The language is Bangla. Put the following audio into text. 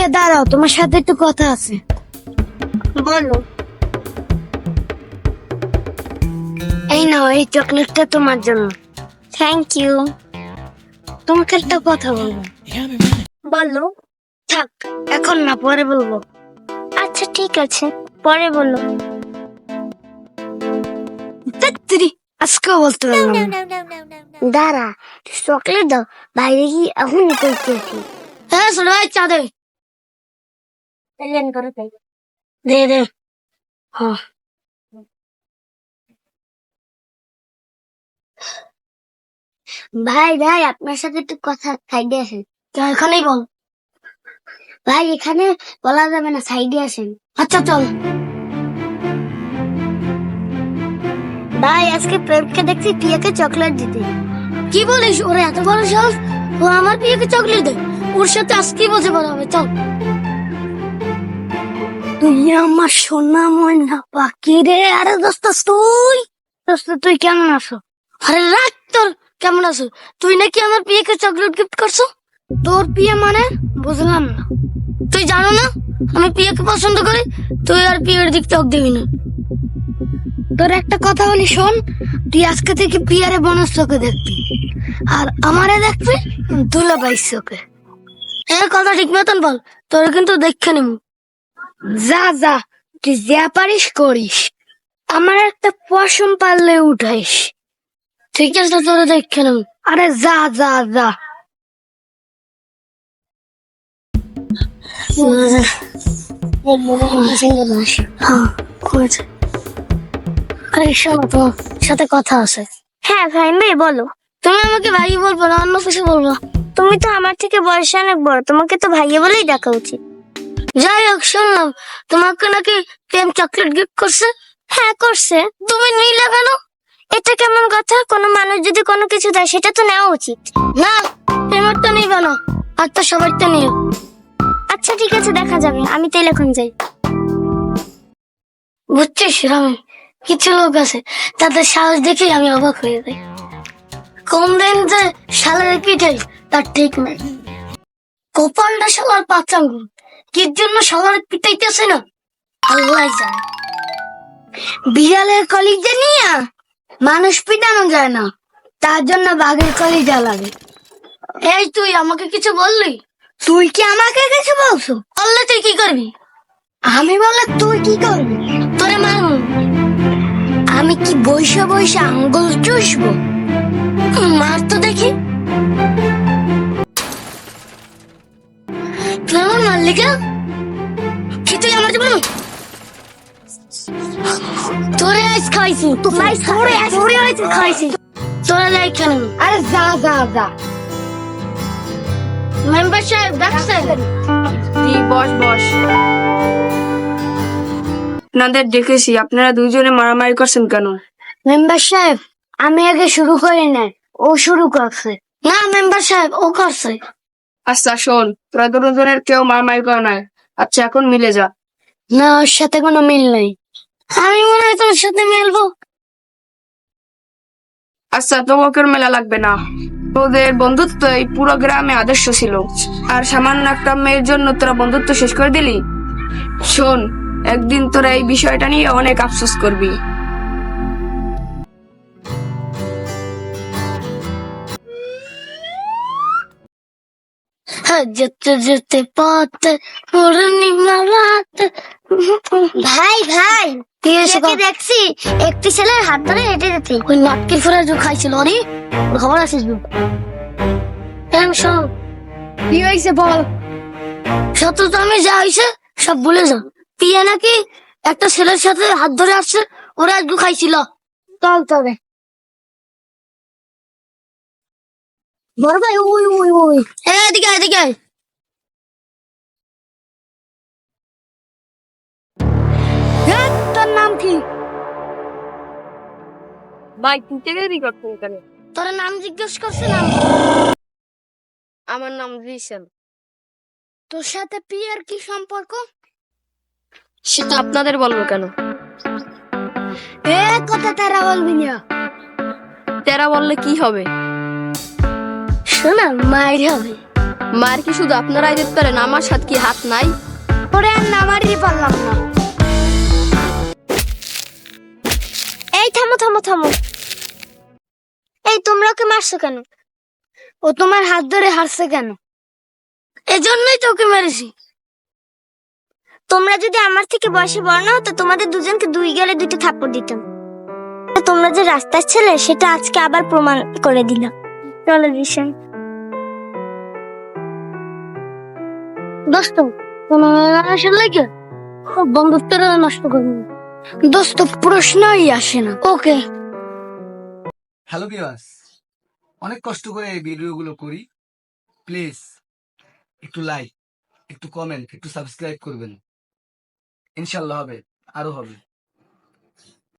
দাঁড়াও, তোমার সাথে একটু কথা আছে। বলো। এই নাও, এই চকলেটটা তোমার জন্য। Thank you. তোমাকে একটা কথা বলবো। বলো। থাক, এখন না, পরে বলবো। আচ্ছা ঠিক আছে, পরে বলো। তাড়াতাড়ি, আজকেও বলতে পারলাম না। দাঁড়া, চকলেট দাও, বাইরে কি এখনই করতেছি। হ্যাঁ শোনো, এই চা দে। দে দে। হ্যাঁ, ভাই ভাই, আপনার সাথে একটু কথা সাইডে আসেন। এখানেই বল। ভাই এখানে বলা যাবে না, সাইডে আসেন। আচ্ছা চল। ভাই আজকে প্রেমকে দেখছি পিয়াকে চকলেট দিতে। কি বলিস? ওরে এত বড় সাহস! ও আমার প্রিয়কে চকলেট দেয়। ওর সাথে আজকে বসে বলা হবে, চল। তুই আমার সোনা ময়না পাখি রে। আরে দোস্ত, তুই কেমন আছো? আরে রাখ তোর কেমন আছো। তুই নাকি আমার প্রিয়কে চকলেট গিফট করছো। তোর প্রিয় মানে বুঝলাম না। তুই জানো না আমি প্রিয়কে পছন্দ করি? তুই আর প্রিয়ের দিক চোখ দিবি না। তোর একটা কথা বলি শোন, তুই আজকে থেকে প্রিয়ারে বোনের চোখে দেখবি, আর আমারে দেখবি দুলাভাইয়ের চোখে। এই কথা ঠিক মতন বল, তোর কিন্তু দেখে নিব। যা যা, তুই যা পারিস করিস, আমার একটা পশম পারলে উঠাইস। ঠিক আছে, তোর দেখে নেব। আরে যা যা যা। হ্যাঁ, করেছে। আরে শোনো, তোমার সাথে কথা আছে। হ্যাঁ ভাই ভাই বলো। তুমি আমাকে ভাই বলবো না, অন্য কিছু বলবো। তুমি তো আমার থেকে বয়সে অনেক বড়, তোমাকে তো ভাইয়া বলেই ডাকা উচিত। যাই হোক, শুনলাম তোমাকে নাকি প্রেম চকলেট গিফট করছে। হ্যাঁ করছে। তুমি নিলে কেন? এটা কেমন কথা? কোনো মানুষ যদি কোনো কিছু দেয় সেটা তো নেওয়া উচিত। না, প্রেমের তো নিবে না, আর তো সবার তো নিও। আচ্ছা ঠিক আছে, দেখা যাবে। আমি তাইলে এখন যাই। বুঝছিস রামি, কিছু লোক আছে তাদের সাহস দেখে আমি অবাক হয়ে যাই। কোন দিন যে শালারে পিঠাই তার ঠিক নাই। কপালটা শালার পাচাঙ্গুল, কি জন্য শালার পিটাইতেছে না আল্লাহ জানে। বিড়ালের কলিজা নিয়ে মানুষ পিটানো যায় না, তার জন্য বাঘের কলিজা লাগে। এই তুই আমাকে কিছু বললি? তুই কি আমাকে কিছু বলছো? বললে তুই কি করবি? আমি বললে তুই কি করবি? তোরে মারব। আমি কি বৈশা বৈশা আঙ্গুল চুষবো? মার তো দেখি। তুই আমার মারলি কেন? কি তুই আমার জীবন? তোরে আজ খাইছি, তোরে আজ খাইছি। তোরা যাই কেন? আরে যা যা যা। মেম্বার সাহেব ডাকছেন? বস বস। আপনাদের দেখেছি, আপনারা দুইজনে মারামারি করছেন কেন? মেম্বার সাহেব, আমি আগে শুরু করি না, ও শুরু করছে। না মেম্বার সাহেব, ও করছে। আচ্ছা শোন, তোরা দুজনের কেউ মারামারি করে নাই। আচ্ছা এখন মিলে যা। না, ওর সাথে কোনো মিল নেই। আমি মনে হয় তোর সাথে মিলবো। আচ্ছা তোমাকে মেলা লাগবে না, তোদের বন্ধুত্ব এই পুরো গ্রামে আদর্শ ছিল, আর সামান্য একটা মেয়ের জন্য তোরা বন্ধুত্ব শেষ করে দিলি। শোন, একদিন তোরা এই বিষয়টা নিয়ে অনেক আফসোস করবি। হ্যাঁ, যেতে যেতে পথে পূর্ণিমা রাত। ভাই ভাই, কি হয়েছে কি দেখছি একটি ছেলের হাত ধরে হেঁটে যেতে। ওই নাটকের ফোরা যে খাইছিল অরে, ওর খবর আছে? শোন, কি হয়েছে বল। সত্য তো আমি যা হয়েছে সব ভুলে যা। পিয়া নাকি একটা ছেলের সাথে হাত ধরে আসছে, ওরা একটু খাইছিল। চল তবে বড় ভাই, ওই ওই ওই এদিকে এদিকে। তোর নাম কি? ভাই তুই দেরি করছেন কেন? তোর নাম জিজ্ঞেস করছে নাম? আমার নাম রিসেন। তোর সাথে পিয়ার কি সম্পর্ক? সেটা আপনাদের বলবো কেন? এ কথা তারা বলবি না। তেরা বললে কি হবে? শোনা, মায়ের হবে। মার কি শুধু আপনারাই দিতে পারেন, আমার সাথে কি হাত নাই? ওরে আর নামারই পারলাম না। এই থামো থামো থামো, এই তোমরা ওকে মারছো কেন? ও তোমার হাত ধরে হারছে কেন? এজন্যই তো ওকে মেরেছি। তোমরা যদি আমার থেকে বয়সে বড় না হতো, তোমাদের দুজনকে দুই গেলে দুইটা থাপ্পড় দিতাম। তোমরা যে রাস্তার ছেলে সেটা আজকে আবার প্রমাণ করে দিলাম। চলো দিশান। দোস্ত কোনো মানুষের লাগে বন্ধুত্বটা নষ্ট করবো না। দোস্ত প্রশ্নই আসে না। ওকে হ্যালো ভিউয়ার্স, অনেক কষ্ট করে এই ভিডিওগুলো করি। প্লিজ একটু লাইক, একটু কমেন্ট, একটু সাবস্ক্রাইব করবেন। ইনশাল্লাহ হবে, আরো হবে।